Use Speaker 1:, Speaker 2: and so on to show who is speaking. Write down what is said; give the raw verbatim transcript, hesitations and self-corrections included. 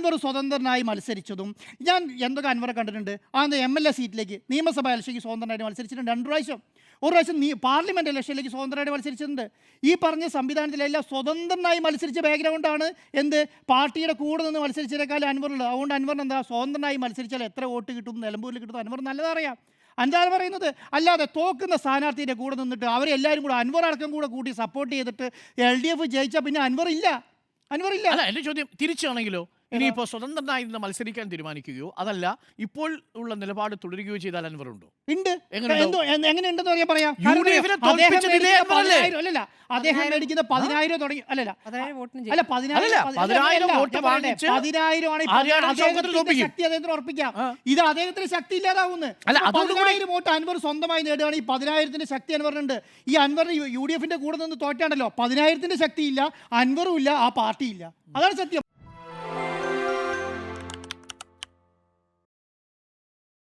Speaker 1: അൻവർ സ്വതന്ത്രനായി മത്സരിച്ചതും ഞാൻ എന്തൊക്കെ അൻവറെ കണ്ടിട്ടുണ്ട്. ആ എം എൽ എ സീറ്റിലേക്ക് നിയമസഭാ ഇലക്ഷയ്ക്ക് സ്വതന്ത്രനായിട്ട് മത്സരിച്ചിട്ടുണ്ട് രണ്ട് പ്രാവശ്യം. ഒരു പ്രാവശ്യം നീ പാർലമെൻറ്റ് ഇലക്ഷനിലേക്ക് സ്വതന്ത്രമായിട്ട് മത്സരിച്ചിട്ടുണ്ട്. ഈ പറഞ്ഞ സംവിധാനത്തിലെല്ലാം സ്വതന്ത്രനായി മത്സരിച്ച ബാക്ക്ഗ്രൗണ്ടാണ് എന്ത് പാർട്ടിയുടെ കൂടെ നിന്ന് മത്സരിച്ചതിനേക്കാളും അൻവറുള്ളത്. അതുകൊണ്ട് അൻവറിന് എന്താ സ്വതന്ത്രനായി മത്സരിച്ചാൽ എത്ര വോട്ട് കിട്ടും, നിലമ്പൂരിൽ കിട്ടും അൻവർ നല്ലതറിയാം. എന്താണ് പറയുന്നത്? അല്ലാതെ തോക്കുന്ന സ്ഥാനാർത്ഥിയുടെ കൂടെ നിന്നിട്ട് അവരെല്ലാവരും കൂടെ അൻവർ അടക്കം കൂടെ കൂട്ടി സപ്പോർട്ട് ചെയ്തിട്ട് എൽ ഡി എഫ് ജയിച്ചാൽ പിന്നെ അൻവർ ഇല്ല അൻവർ ഇല്ല
Speaker 2: അല്ല, എൻ്റെ ചോദ്യം തിരിച്ചാണെങ്കിലോ, ഇനിയിപ്പോൾ സ്വതന്ത്രനായി നിന്ന് മത്സരിക്കാൻ തീരുമാനിക്കുകയോ അതല്ല ഇപ്പോൾ ഉള്ള നിലപാട് തുടരുകയോ ചെയ്താൽ അൻവർ ഉണ്ടോ?
Speaker 1: ഉണ്ട്.
Speaker 2: എങ്ങനെയുണ്ടോ?
Speaker 1: എങ്ങനെയുണ്ടെന്ന് പറയാൻ പറയാം.
Speaker 2: യു ഡി എഫിനെ തോൽപ്പിച്ചതില്ലേ അൻവറല്ലേ?
Speaker 1: അല്ലല്ല, അദ്ദേഹം മേടിക്കുന്ന പതിനായിരം തുടങ്ങി അല്ലല്ല അല്ല
Speaker 2: പതിനായിരം വോട്ട് വാങ്ങിച്ച്
Speaker 1: പതിനായിരം ആണ് ശക്തി അദ്ദേഹത്തിന് ഉറപ്പിക്കാം. ഇത് അദ്ദേഹത്തിന് ശക്തി ഇല്ലാതാവുന്നു. പതിനായിരം വോട്ട് അൻവർ സ്വന്തമായി നേടുകയാണ്. ഈ പതിനായിരത്തിന്റെ ശക്തി അൻവറിനുണ്ട്. ഈ അൻവർ യു ഡി എഫിന്റെ കൂടെ നിന്ന് തോറ്റാണ്ടല്ലോ, പതിനായിരത്തിന്റെ ശക്തിയില്ല, അൻവറും ഇല്ല, ആ പാർട്ടിയില്ല. അതാണ് സത്യം.